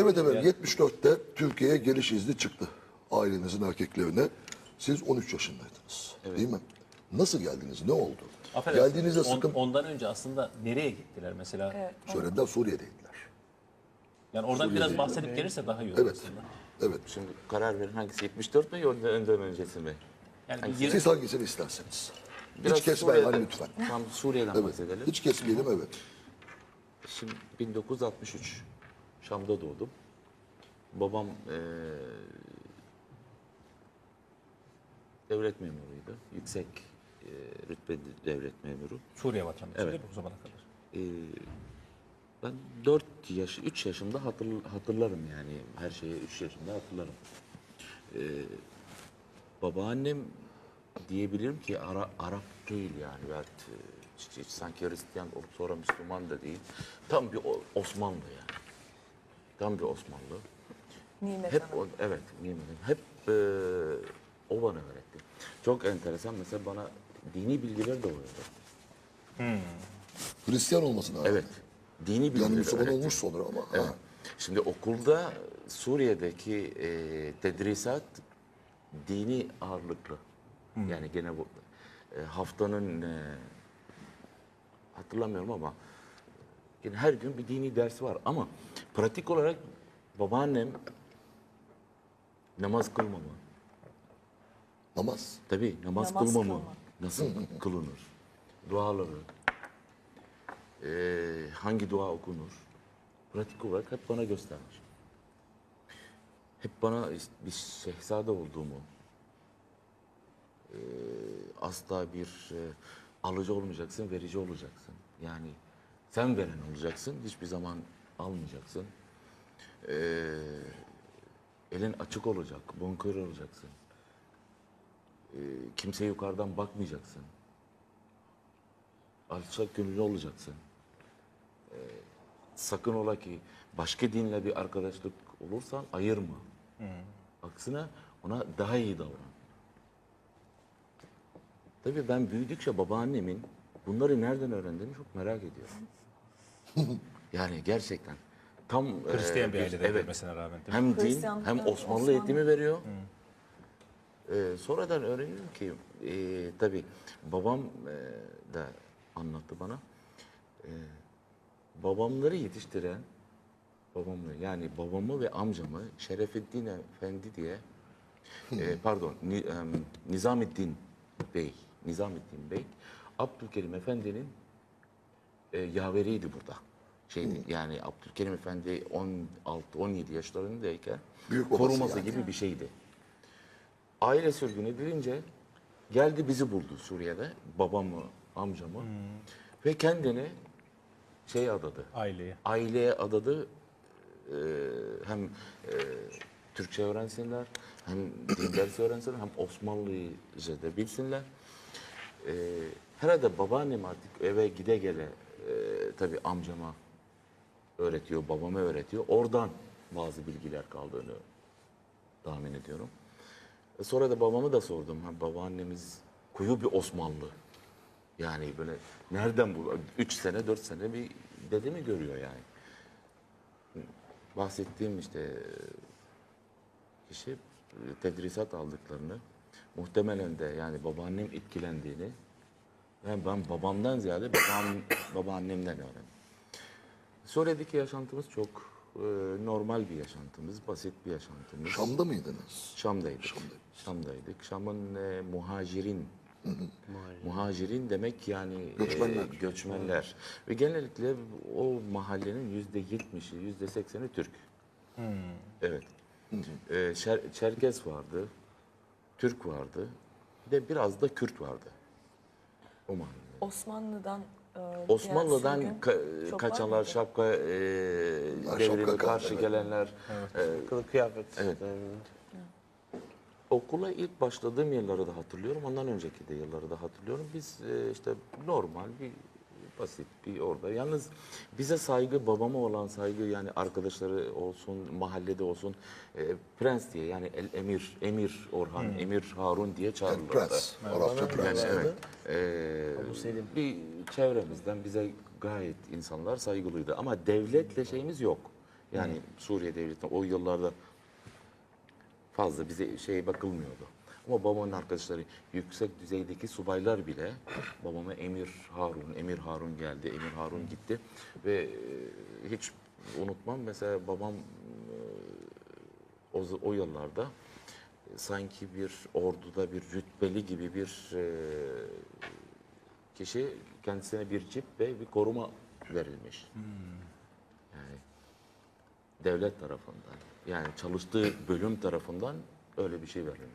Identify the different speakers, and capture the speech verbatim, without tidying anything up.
Speaker 1: Evet evet,
Speaker 2: Yani
Speaker 1: yetmiş dörtte Türkiye'ye geliş izni çıktı ailenizin erkeklerine. Siz on üç yaşındaydınız, değil mi? Nasıl geldiniz? Ne oldu?
Speaker 2: affedersiniz,
Speaker 1: Geldiğinizde
Speaker 2: on-
Speaker 1: sıkıntı...
Speaker 2: ondan önce aslında nereye gittiler mesela?
Speaker 3: Evet.
Speaker 1: Söylediler, Suriye'deydiler.
Speaker 2: Yani oradan biraz
Speaker 1: Suriye'deydi.
Speaker 2: bahsedip gelirse daha iyi olur
Speaker 1: Evet,
Speaker 2: aslında.
Speaker 1: evet.
Speaker 4: Şimdi karar verin hangisi yetmiş dört mü yoksa önden öncesi mi?
Speaker 2: Yani bir
Speaker 4: Hangisi?
Speaker 2: yirmi
Speaker 1: Siz hangisini isterseniz.
Speaker 4: Biraz
Speaker 1: Hiç kesmeyin
Speaker 4: Suriye'den-
Speaker 1: lütfen.
Speaker 4: Tam Suriye'den
Speaker 1: Evet.
Speaker 4: bahsedelim.
Speaker 1: Hiç kesmeyelim, evet.
Speaker 4: Şimdi bin dokuz yüz altmış üç Şam'da doğdum. Babam eee, devlet memuruydu. Yüksek eee rütbeli devlet memuru.
Speaker 2: Suriye vatandaşı
Speaker 4: Evet.
Speaker 2: değil mi o zamana kadar?
Speaker 4: Eee, ben dört yaş, üç yaşında hatır, hatırlarım yani. Her şeyi üç yaşında hatırlarım. Eee, babaannem diyebilirim ki Ara, Arap değil yani. Evet, eee, hiç, hiç sanki Hristiyan olup sonra Müslüman da değil. Tam bir O- Osmanlı yani. Tam bir Osmanlı.
Speaker 3: Nimet
Speaker 4: Hep
Speaker 3: Hanım.
Speaker 4: o, evet, nimetim. Hep eee, o bana öğretti. Çok enteresan. Mesela bana dini bilgiler de öğretti.
Speaker 1: Hristiyan olmasına rağmen.
Speaker 4: Evet. Dini bilgiler
Speaker 1: Yani Müslüman
Speaker 4: öğretti.
Speaker 1: olmuş sonra ama.
Speaker 4: Evet.
Speaker 1: Ha.
Speaker 4: Şimdi okulda Suriye'deki eee tedrisat dini ağırlıklı. Yani gene bu e, haftanın e, hatırlamıyorum ama yine her gün bir dini dersi var ama pratik olarak babaannem namaz kılmamı,
Speaker 1: Namaz.
Speaker 4: tabii namaz,
Speaker 3: Namaz
Speaker 4: kılmamı,
Speaker 3: kılma.
Speaker 4: nasıl kılınır, duaları, e, hangi dua okunur, pratik olarak hep bana göstermiş. Hep bana işte bir şehzade olduğumu, e, asla bir e, alıcı olmayacaksın, verici olacaksın. Yani sen veren olacaksın, hiçbir zaman almayacaksın. E, elin açık olacak, bonkör olacaksın. E, kimseye yukarıdan bakmayacaksın. Alçak gönüllü olacaksın. E, sakın ola ki başka dinle bir arkadaşlık olursan ayırma. Aksine ona daha iyi davran. Tabii ben büyüdükçe babaannemin bunları nereden öğrendiğini çok merak ediyorum. Yani gerçekten tam
Speaker 2: Hristiyan
Speaker 4: e,
Speaker 2: bir ailede
Speaker 4: evet,
Speaker 2: görmesine rağmen değil mi?
Speaker 4: hem din
Speaker 3: Hristiyanlıktan
Speaker 4: hem Osmanlı,
Speaker 3: Osmanlı.
Speaker 4: eğitimi veriyor. E, sonradan öğreniyorum ki e, tabii babam e, da anlattı bana. E, babamları yetiştiren babamı yani babamı ve amcamı Şerefeddin Efendi diye e, pardon Ni, em, Nizamettin Bey Nizamettin Bey Abdülkerim Efendi'nin e, yaveriydi burada. Şeydi, yani Abdülkerim Efendi on altı on yedi yaşlarındayken
Speaker 1: Büyük babası
Speaker 4: koruması
Speaker 1: yani.
Speaker 4: gibi bir şeydi. Aile sürgün edilince geldi bizi buldu Suriye'de. Babamı, amcamı ve kendini şey adadı.
Speaker 2: Aileye.
Speaker 4: Aileye adadı. Ee, hem e, Türkçe öğrensinler, hem din dersi öğrensinler, hem Osmanlıca da bilsinler. Ee, herhalde babaannem artık eve gide gele e, tabii amcama öğretiyor, babama öğretiyor. Oradan bazı bilgiler kaldığını tahmin ediyorum. E, sonra da babamı da sordum. Ha, babaannemiz kuyu bir Osmanlı. Yani böyle nereden bu? Üç sene, dört sene bir dede mi görüyor yani? Bahsettiğim işte kişi e, tedrisat aldıklarını muhtemelen de yani babaannem etkilendiğini yani ben babamdan ziyade babam, babaannemden öğrendim. Suriye'deki yaşantımız çok e, normal bir yaşantımız, basit bir yaşantımız.
Speaker 1: Şam'da mıydınız?
Speaker 4: Şam'daydık.
Speaker 1: Şam'daydık.
Speaker 4: Şam'daydık. Şam'ın e, muhacirin muhacirin demek yani
Speaker 1: Göçmenler.
Speaker 4: e, göçmenler. Ve genellikle o mahallenin yüzde yetmişi, yüzde sekseni Türk. Evet. E, Şer- Çerkez vardı, Türk vardı, bir de biraz da Kürt vardı. O mahallede.
Speaker 3: Osmanlı'dan e,
Speaker 4: Osmanlı'dan
Speaker 3: gelen sürgün
Speaker 4: ka-
Speaker 3: çok var
Speaker 4: kaçanlar,
Speaker 3: mıydı?
Speaker 4: şapka e, devrimi
Speaker 1: şapka,
Speaker 4: karşı
Speaker 1: evet.
Speaker 4: gelenler. e,
Speaker 5: Kılık kıyafet.
Speaker 4: Evet. Okula ilk başladığım yılları da hatırlıyorum. Ondan önceki de yılları da hatırlıyorum. Biz e, işte normal bir basit bir orada. Yalnız bize saygı, babama olan saygı yani arkadaşları olsun, mahallede olsun e, prens diye yani el emir, emir Orhan, emir Harun diye
Speaker 1: Yani
Speaker 4: çağırırlardı.
Speaker 1: prens. Arapça prens.
Speaker 4: Yani evet. E, bir çevremizden bize gayet insanlar saygılıydı. Ama devletle şeyimiz yok. Yani Suriye devletine o yıllarda fazla bize şey bakılmıyordu. Ama babamın arkadaşları yüksek düzeydeki subaylar bile babama Emir Harun, Emir Harun geldi, Emir Harun gitti ve e, hiç unutmam mesela babam e, o, o yıllarda e, sanki bir orduda bir rütbeli gibi bir e, kişi kendisine bir cip ve bir koruma verilmiş. Yani devlet tarafından yani çalıştığı bölüm tarafından öyle bir şey verilmiş.